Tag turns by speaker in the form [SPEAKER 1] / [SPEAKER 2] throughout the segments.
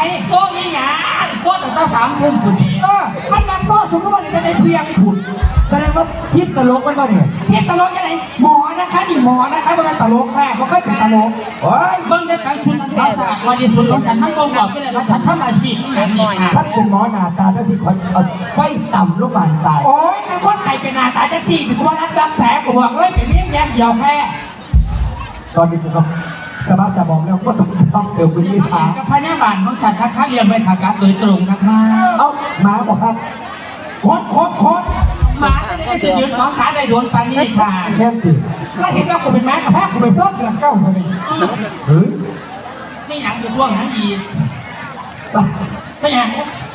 [SPEAKER 1] โซ่มีหยาโซ่ตั้งแต่3 ทุ่มคุณนี่
[SPEAKER 2] มันมาโซ่ชุกก็มันจะได้เพียงถุนแสดงว่าพิษตลกมันบ้าเนี่ยพิษตลกยังไงหมอนะคะนี่หมอนะคะมันเป็นตลกแค่เพราะเคยเป็นตลกโอ้ย
[SPEAKER 1] เบิ้งได้แปลงชุดภาษาวันที่สุดของฉันทั้งองค์บอกไปเลยว่าฉันทำอาชีพแบบนี้
[SPEAKER 2] ท่านเป็นหมอหน้าตาจะสิคนไฟต่ำลูกบานตายโอ้ยเป็นคนไข่เป็นหน้าตาจะสี่ถึงว่ารับแสงกูบอกเลยเป็นเลี้ยงแยมเดียวแค่ตอนนี้ผมก็สบายสมองแล้วก็ต้องเติมวิญญาณ
[SPEAKER 1] กับพญาบาลของฉันค้าเรียนไปขาการโดยตรงนะคะ
[SPEAKER 2] เอ้ามาบอกครับโคตร
[SPEAKER 1] หมาจะยืน2 ขาได้โดนปานี้ค่ะ
[SPEAKER 2] แค่ติถ้าเห็นว่ากูเป็นแม่กับแพ้กูไปซ่อนเดือนเก้าทำไมเฮ้ย
[SPEAKER 1] ไม่หยังจะช่วงนั้นอีไม่หยัง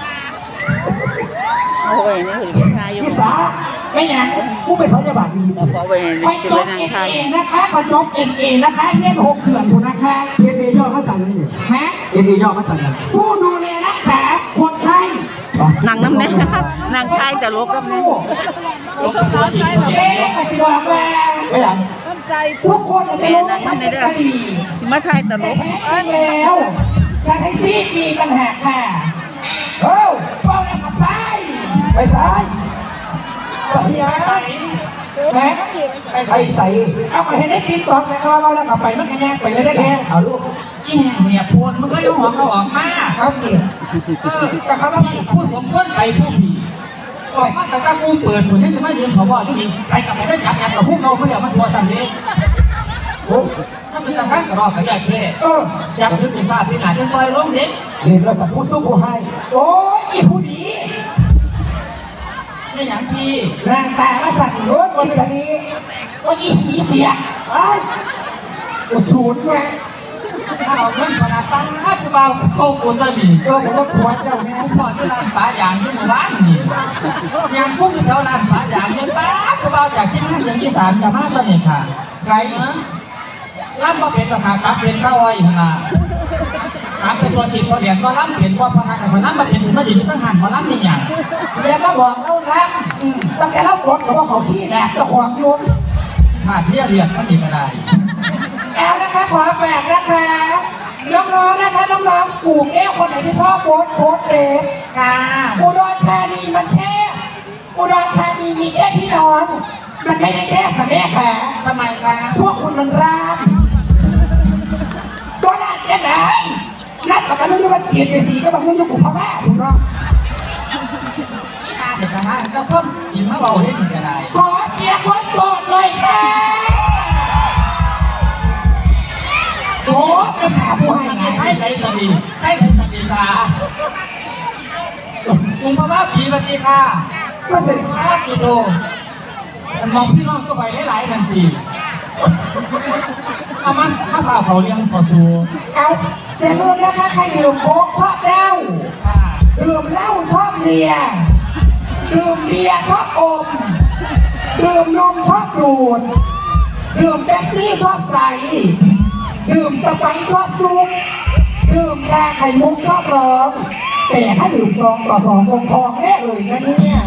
[SPEAKER 3] โอ้ยนี่คือกินข้าวอยู่
[SPEAKER 2] พี่สาไม่หยังกูเป็นพยาบาลดี
[SPEAKER 3] ๆพอไปเห็นกินไปนั่งข้าว
[SPEAKER 2] นะคะขอจบเอ็นนะคะเรียน6 เดือนอยู่นะคะเอ็นย่อมาจากไหนเนี่ยฮะเอ็นย่อมาจากไหนผู้ดูแลรักษาคนไข้
[SPEAKER 3] นางน้ำแม่นางไทยแต่ลกกับแม่
[SPEAKER 1] ลกกับตัวจริง
[SPEAKER 2] เอ๊ะสิว่าแม่ไม่หลังทุกคน
[SPEAKER 3] แม่นางในเด้อมาไทยแต่ลก
[SPEAKER 2] แล้วจะให้ซีมีปัญหาค่ะเอ้าเป้าหน้ากับไปซ้ายไปยังแม่ไปใส่เอาไปให้ได้กินก่อนนะครับเราแล้วกลับไปมันแง่ไปเลยได้แง่เอาลูก
[SPEAKER 1] ที่แห่งเนี่ยพูดมันก็ยุ่งหัวเขาออกมา
[SPEAKER 2] ครับเกี่ย
[SPEAKER 1] แต่เขาว่าพูดสมควรไปผู้ผีออกมาแต่ถ้ากูเปิดผลนี่จะไม่ยืนขอบอกที่นี่ไปกับไปได้จับกับพวกเขาเดี๋ยวมันทัวร์สั่งเองถ้าเป็นทางการกระรอกกระยาเท่จับยึดเป็นผ้าพินาจนต่อยล้มเด็ก
[SPEAKER 2] เรียนเราสัมผู้สู้ผู้ให้โอ้ยผู้ดี
[SPEAKER 1] ไม่อย่างพี่
[SPEAKER 2] นางตามาสั่งรถวันนี้ว่าอีผีเสียไอ้ศูนย์ไง
[SPEAKER 1] ถ้าเอาเงินขนาดตั้งผู้เบาเข้าคนตะบี
[SPEAKER 2] ผมก็ปวดเจ้าแม่
[SPEAKER 1] ผู้พอที่ร้านฝาอย่างที่หมู่บ้านนี่ยามพุ่งแถวร้านฝาอย่างเงินป้าผู้เบาจากที่นั่นอย่างที่3จะมาตอนนี้ค่ะ
[SPEAKER 2] ไง
[SPEAKER 1] ล่ำมาเป็นราคาครับเป็นเต้าอ้อยนะครับเป็นตัวติดตัวเดียก็ล่ำเปลี่ยนว่าพนักงานล่ำมาเป็นถึงมาอยู่ที่ตั้งหันมาล่ำนี่อย่าง
[SPEAKER 2] เรียนมาบอกเล่าล่ำตั้งแต่เล่าบทกับว่าเขาขี้แหละจะขวางยุน
[SPEAKER 1] ขาดเรียกมันอีกอะไร
[SPEAKER 2] แอลนะคะขอแฝกนะคะน้องๆนะคะน้องๆปลูกแก้วคนไหนที่ชอบโพสเฟซ
[SPEAKER 1] ค่ะ
[SPEAKER 2] อุดรธานีมันแค่อุดรธานีมีแค่พี่น้องมันไม่ได้แค่ค่ะแม่ค่ะ
[SPEAKER 1] ทำไมคะ
[SPEAKER 2] พวกคุณมันร้านก็ร้านแค่ไหนร้านปากกาลุ่มมันเกลียดไปสีก็บางเรื่องยุคพม่าถูกต้อง
[SPEAKER 1] เด็กนะก็เพิ่มอีกมาบอกให้ถึงจะได้
[SPEAKER 2] ขอเสียคนโสดเลยค่ะโสดจะหาผู้ให้ไง
[SPEAKER 1] ให้ใครสดีให้ใครสดีสาคุณพ่อว่าผีปฏิฆา
[SPEAKER 2] ก็เสร็จ
[SPEAKER 1] 5 กิโลมองพี่น้องก็ไปหลายทันทีเอามันถ้าพาเขาเลี้ยงขอชู
[SPEAKER 2] เอาแต่ลืมนะคะใครดื่มโค้กชอบเหล้าดื่มเหล้าชอบเลียดื่มเบียร์ชอบอมดื่มนมชอบดูดดื่มเป๊ปซี่ชอบใสดื่มสไปซ์ชอบซุปดื่มชาไข่มุกชอบร้องแต่ถ้าดื่ม2 ต่อ 2คงทองแน่เลยนะเนี่ย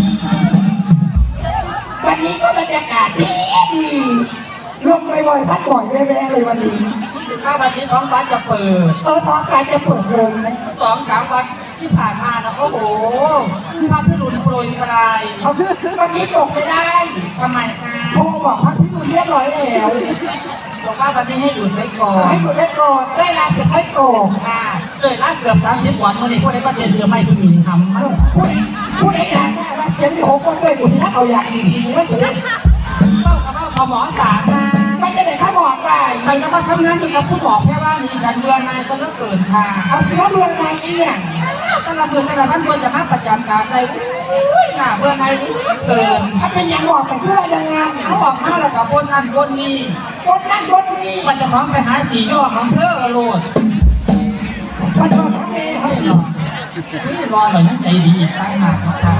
[SPEAKER 2] วันนี้ก็บรรยากาศดีลมบ่อยๆพัดบ่อยแว่ๆเลยวันนี้
[SPEAKER 1] ถ้าวันนี้ท้องฟ้าจะเปิด
[SPEAKER 2] ท้องฟ้าจะเปิดเลย
[SPEAKER 1] 2-3 วันที่ผ่านมานะโอ้โหภาพที่หลุดโปรยกระไร
[SPEAKER 2] วันนี้ตกไม่ได้
[SPEAKER 1] ทำไมคะ
[SPEAKER 2] โทรบอกพักพี่หนุ่มเรียบร้อยแล้ว
[SPEAKER 1] บอกว่าวันนี้ให้หยุดไว้ก่อน
[SPEAKER 2] ให้หยุดไว้ก่อนได้ลาเสร็จให้โต
[SPEAKER 1] ค่ะเลยลาเกือบ30 วันเมื่อนี้พวกได้ประเด็นเจอไม่ผู้หญิงทำมั้ง
[SPEAKER 2] พูดได้ยังว่าเสียงที่6 คนเลยกูที่ถ้าเอาอยากอีกทีไม่เฉย
[SPEAKER 1] เข้ากับว่าพอหมอสามา
[SPEAKER 2] มันจะได้ข้าบอกไป
[SPEAKER 1] แต่ก็มาทำงานกับผู้บอกแค่ว่ามีฉันเบื่อนายซะเหลือเกินค่ะ
[SPEAKER 2] เอาเสียเบื่อนายเอี่ยง
[SPEAKER 1] แต่ละเบื่อแต่ละมันเบื่อจะมาประจำการใดน่าเบื่อนายเกิน
[SPEAKER 2] ถ้าเป็นอย่างบอกไปเพื่อยังไง
[SPEAKER 1] เขาบอกมาแล้วกับบนนั้นบนนี้มันจะพร้อมไปหาสียอดของเพื่อโลด
[SPEAKER 2] มันโดนทั้งเมย์ให้หน่อย
[SPEAKER 1] ไม่รอหน่อยนั่งใจดีอีกตั้งหากค่ะ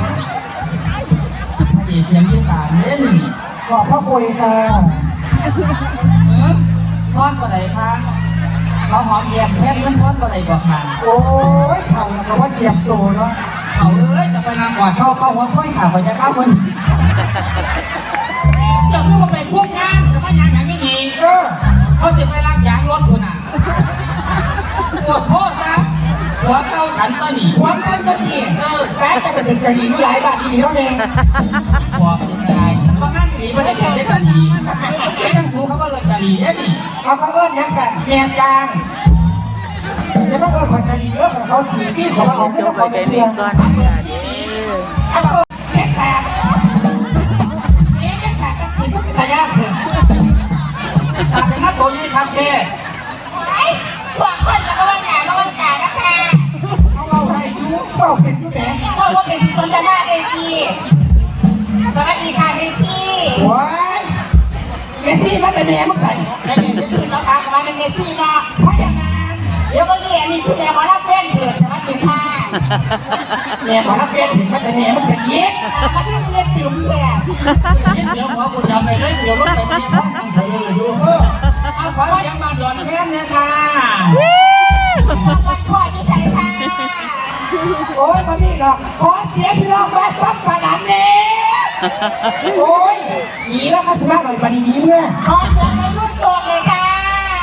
[SPEAKER 1] เสียงที่3เล่น
[SPEAKER 2] ขอบพระคุยค่ะ
[SPEAKER 1] ทอดกระไดค่ะเขาหอมแย้มแทบเงินทอดกระไดกว่าค่ะ
[SPEAKER 2] โอ้ยเข่าแล้วก็ว่าเจ็บโตเนาะ
[SPEAKER 1] เขาเลยจะไปนางกอดเข้าหัวค่อยขาไปจะเข้าคนจะพูดว่าเป็นพวกงานจะไม่งานอย่างไม่ดีเขาจะไปล้างยางรถคุณอ่ะปวดโทษซะหัวหนี
[SPEAKER 2] หัวเงินก็ดีแม้จะเป็นกะหรี่หลายบาทดีแล้วเอง
[SPEAKER 1] บอกยังไงว่างั้นหนีไม่ได้เป็นได้กะหรี่ไม่ต้องสู้เขาก็เลยกะหรี่ได้หนิ
[SPEAKER 2] เอาเขาเอิ้นยังสั่น
[SPEAKER 1] เมียจาง
[SPEAKER 2] จะต้องเอิ้นคนกะหรี่เอิ้นของเขาสีพี่ของเรา
[SPEAKER 3] จบไปแต่นี้ก่อนค่ะเด้อ
[SPEAKER 2] เอาเล็กแสบเล็กแสบก็คือทุกตายากเลย
[SPEAKER 1] สามเป็นนักโกนี่ครับเท่
[SPEAKER 4] พวกคนกับวันหนามาวันตานะคะ
[SPEAKER 1] เขาเอาให้ดู
[SPEAKER 2] เปล่าเป็นผู้แหน
[SPEAKER 4] เพราะว่าเป็นสนทนาเวทีสวัสดีค่ะเมซี่
[SPEAKER 2] ว้ายเมซี่มาแต่แม่มึงใส่
[SPEAKER 4] และเดี๋ยวจะชื่อน้องปากมาเป็นเมซี่เนาะ
[SPEAKER 2] พยานาน
[SPEAKER 4] เดี๋ยวก็เรียนนี่คือแนวมารับเพื่อนเถิดสวัสดีค่ะ
[SPEAKER 2] แม่มารับเพี้ยนถึงมาแต่แม่มึงใส่เย็ด
[SPEAKER 4] มาที่เรียนติ๋มแบบ
[SPEAKER 1] เดี๋ยวหมอกูจะไปเล่นเดี๋ยวรถไปมีห้องทางเธออยู่เอาขอเสียงมาด่วนแค่นี้ค่ะ
[SPEAKER 4] วันพ่อที่ใส่ค่ะ
[SPEAKER 2] โอ้ยมานี่หรอกขอเสียงพี่น้องบ้านซับปะหลันเน่โอ้ยหนีแล้วค่ะสมัครหน่อยมาดีนี้เมื่อ
[SPEAKER 4] ขอเสียงในรุ่นโสดเลยค่ะ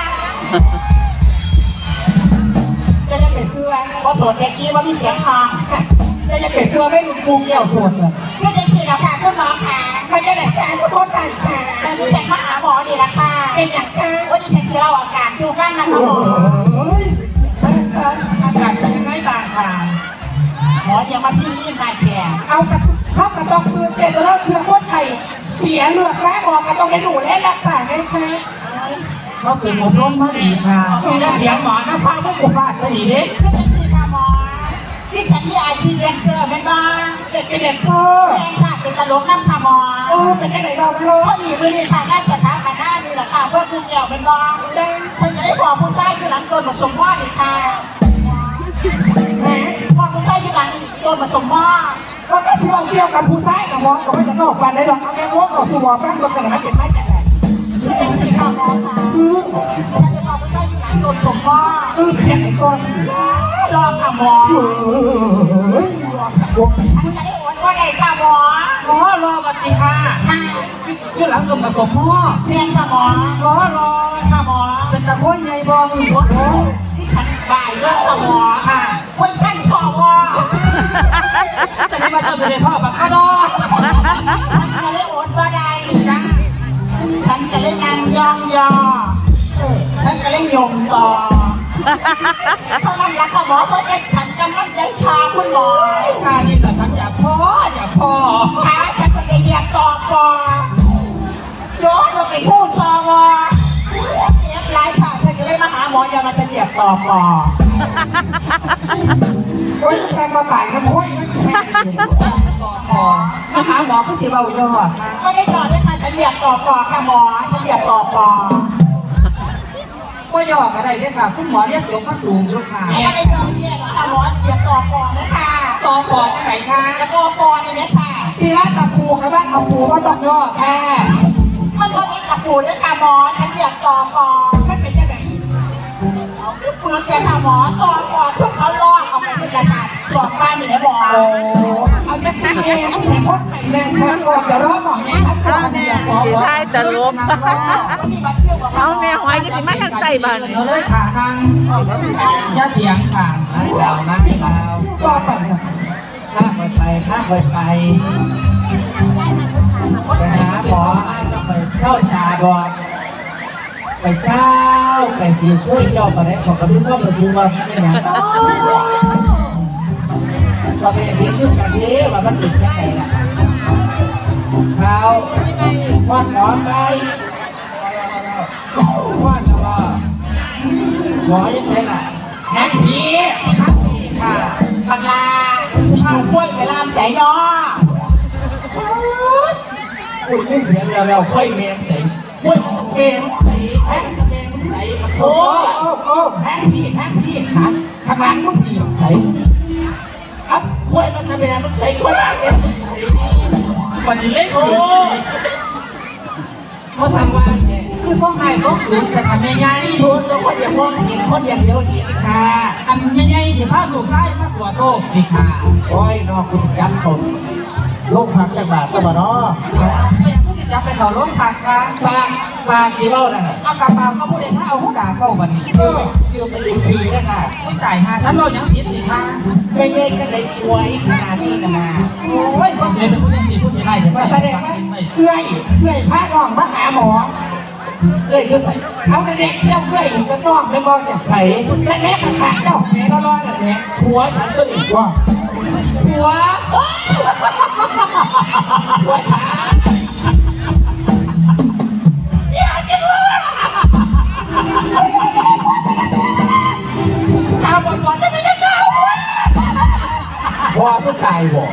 [SPEAKER 4] จะจะเป็นเสื้อพอโสดแค่กี้ว่ามีเสียงทอง
[SPEAKER 2] จะเป็นเสื้อไม่ลุงปูเกี่ยวส่วนเลย
[SPEAKER 4] เพื่อจะฉีดราคาขึ้นมาค่ะ
[SPEAKER 2] มันจะไหนการทุกคนกันค่ะ
[SPEAKER 4] แต่ที่ฉันมาหาหมอดีละค่ะ
[SPEAKER 2] เป็นอย่างค่ะ
[SPEAKER 4] วันนี้ฉันจะเล่าอาการชูกันนะคะ
[SPEAKER 2] โอ้
[SPEAKER 4] หมอ
[SPEAKER 2] ย
[SPEAKER 1] อากาศเป็นยังไงต่างค่ะ
[SPEAKER 4] หมอเดี๋ยวมาพี่รีบมาแก่
[SPEAKER 2] เอากระเข้ากระต้องปืนเป็นแล้วเทือโคตรไข่เสียเลือดแม่บอกกระต้องได้ดูและรักษาไงคะ
[SPEAKER 1] เขาถึงอบรมมาดีค่ะจะเสียงหมอนะฟ้าพวกกูฟาดไปดีดิ
[SPEAKER 4] เพื่อจะฉีดค่ะหมอที่ฉันมีอาชีพเรียนเชิญเป็นบ้าง
[SPEAKER 2] เด็กเป็นเด็กเชอร์
[SPEAKER 4] แรงค่ะเป็นตลกน้ำค่ะหมอ
[SPEAKER 2] เป็นจังไหนเราไม่รู้
[SPEAKER 4] พอดีมือดีค่ะน่าจะท้ากันหน้านี่แหละค่ะเพื่อคุณเกี่ยวเป็นบ้างฉันจะได้บอกผู้ชายคือหลังโดนมาสมว่าอีกค่ะบอกผู้ชายคือหลังโดนมาสมว่า
[SPEAKER 2] ว่าก็ที่เราเกี่ยวกับผู้ชายกับหมอก็ไม่จะนอกกันได้หรอกเอาแค่ว่าต่อสู้หมอแป้งตัวกันนะเป็นไม่จังไหน
[SPEAKER 4] เพื่อจะฉีดค่ะหมอค่ะฉันจะบอกผู้ชายคือหลังโดนสมว่า
[SPEAKER 2] เป็นยังไงก่อน
[SPEAKER 4] รอค่ะหมอ
[SPEAKER 2] เฮ้ยรอสักวง
[SPEAKER 4] ฉันจะได้โอนก็ได้ค่ะหมอ
[SPEAKER 1] รอบัดนี้ค่ะที่หลังกึ่งผสมหม้อ
[SPEAKER 4] เรียนค่ะหมอ
[SPEAKER 1] รอ
[SPEAKER 4] ค่ะหมอ
[SPEAKER 1] เป็นตะโค้ยไงบอง
[SPEAKER 4] ที่ฉันบ่ายเยอะค่ะหมอ
[SPEAKER 1] ค่ะ
[SPEAKER 4] คนสั้นพอวอ
[SPEAKER 1] แต่นี่มาเจอเสด็จพ่อแบบก็รอ
[SPEAKER 4] ฉันจะได้โอนก็ได้จ้าฉันจะได้นางยองยอฉันจะได้ยมต่อเพราะนั่นแหละค่ะหมอเพราะได้ฉันกำลังได้ชาคุณหมอ
[SPEAKER 1] ค่ะนี่แต่ฉันอยากพ่อ
[SPEAKER 4] ขาฉันก็ได้เรียกต่อก่อนโยนมาเป็นผู้ซอวอเรียบร้อยค่ะฉันจะได้มาหาหมออย่ามาฉันเรียกต่อก่อน
[SPEAKER 2] โอ้ยแซงมาบ่ายน้ำค่อยไม่แข็ง
[SPEAKER 1] มาหาหมอก็สิเบาเยอะค่ะ
[SPEAKER 4] ไม่ได้ต่อด้วยค่ะฉันเรียกต่อก่อนค่ะหมอฉันเรียกต่อก่อน
[SPEAKER 1] ก็ย่อก็ได้เนี่ยค่ะคุณหมอเรียกเสียงมาสูงด้วยค่ะ
[SPEAKER 4] ไม่ได้ต่อเรียกค่ะหมอเรียกต่อก่อนนะคะ
[SPEAKER 1] ต่อปอดไหนคะ
[SPEAKER 4] แล้วก็ก่อนนี่ค่ะ
[SPEAKER 2] ที่ร้านตะปูครับว่าตะปูก็ต้องย่อแค่
[SPEAKER 4] มันก็มีตะปูด้วยค่ะหมอฉันเรียกต่อก่อน
[SPEAKER 2] ไม่เป็นยังไง
[SPEAKER 4] เอาเปลือกเลยค่ะหมอต่อก่อนช่วงเขาลอกเอาไปที่กระสานก่อนบ้านนี่นะหมอ
[SPEAKER 2] โอ้เอาแม็กซี่เองผู้หญิงคนไข่แดงแค่ก่อนเดี๋ยวรอหมอแม่ครับก่อนเนี่ย
[SPEAKER 3] สีท้ายตลก
[SPEAKER 4] วันนี้มาเที่ยวกับ
[SPEAKER 3] เอาแม่หอยจะสิมาทางใต้บ้าน
[SPEAKER 1] เดี๋ยวเลยค่ะทางย่าเถียงค่ะ
[SPEAKER 5] ยาวมากยาว
[SPEAKER 2] ก็ไปเนี่ย
[SPEAKER 5] ข้าไปข้าไปไปหาหมอจะไปเข้าตาบอดไปเศร้าไปตีคุยเจ้าไปไหนของกระดิ่งก็มาดูว่าไม่หนังก็ไปเห็นด้วยกันนี้ว่ามันติดยังไงล่ะเขาว่าหมอไปว่าหมอยังไงล่ะ
[SPEAKER 2] แม็กพี่
[SPEAKER 1] ค่ะ
[SPEAKER 4] บังลาสีอยู่กล้วยไปลามใส่นอ
[SPEAKER 5] พูดไม่เสียงเราค่อยเมมใส่
[SPEAKER 2] วุ้ยเกม
[SPEAKER 5] ใส่แพ็คเมมใส่มาโถ
[SPEAKER 2] โอ้แม็กพี่ฮะข้างหลังมึงพี่
[SPEAKER 5] ใส่อัพค่อยมันทำไมมันใส่ค่อยเอ็น
[SPEAKER 1] วันนี้เล่น
[SPEAKER 5] โอ้มาทำว่าเนี่ย
[SPEAKER 1] คือต้องให้ต้องสูงจะทำยังไง
[SPEAKER 5] ชวนเราคนอย่างมองเห็นคนอย่างเดียวเห็นค่ะ
[SPEAKER 1] อันไม่ใช่สิภาพลูกไส้มากกว่าโตสิค่ะ
[SPEAKER 5] โอ้ยนอกคุณจำคนลงพักจากบาทสมานอ
[SPEAKER 1] ไม่อยากจะไปต่อรถผักค่ะ
[SPEAKER 5] ปากปากที่เบ้านั่นน่ะ
[SPEAKER 1] เอากระเป๋าเขาพูดเองถ้าเอาหูด่าเข้าบันนี้
[SPEAKER 5] ยืมไปดูทีนะคะ
[SPEAKER 1] ไม่จ่ายหาฉันเรายังผิดอีกค่ะ
[SPEAKER 5] ไม่เย่กันเลยช่วยขนาดนี้นะนะ
[SPEAKER 1] โอ้ยคนเสียเป็นผู้ยังผิดผู้เสียได้แต่ว่า
[SPEAKER 2] แสดงว่าเอื้อยพาน้องมาหาหมอ
[SPEAKER 5] เอ้ยยุ่ใส่
[SPEAKER 2] เอาเด็กเจ้าเอื้อยก็น้องไม่บอกเนี่ย
[SPEAKER 5] ใส่
[SPEAKER 2] แม่ขาเจ้าแม่ร้อนๆเนี่ย
[SPEAKER 5] หัวฉันก็อีกว่า
[SPEAKER 1] หัว
[SPEAKER 5] หัวขา
[SPEAKER 1] ตาบอดๆจะไม่ได้เจ้า
[SPEAKER 5] หัวผู้ตายบอก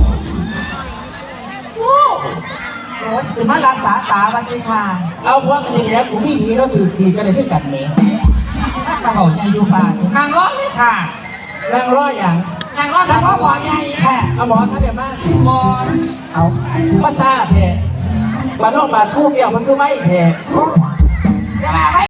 [SPEAKER 1] โอ้ยสิมารักษาตาบันนี้ค่ะ
[SPEAKER 5] เอาหัวกันอย่างนี้แล้วกูไม่หนีแล้วถือสีกันเลยขึ้นกันเมย์
[SPEAKER 1] กระเป๋าใจอยู่ป่านางร้องเลยค่ะ
[SPEAKER 5] นั่งรออย่าง
[SPEAKER 1] นางร้อง
[SPEAKER 2] แล้ว
[SPEAKER 1] ทำ
[SPEAKER 2] ก็
[SPEAKER 1] ข้าว
[SPEAKER 2] หม
[SPEAKER 1] ห
[SPEAKER 2] อ
[SPEAKER 1] วาน
[SPEAKER 2] ใหญ่ค่ะ
[SPEAKER 5] เอาหมอท่านเดียวมาก
[SPEAKER 1] บอล
[SPEAKER 5] เอาภาษาแท้บ้านนอกบ้านผู้เกี่ยวมันคือไม่แท้
[SPEAKER 2] จะมาไหม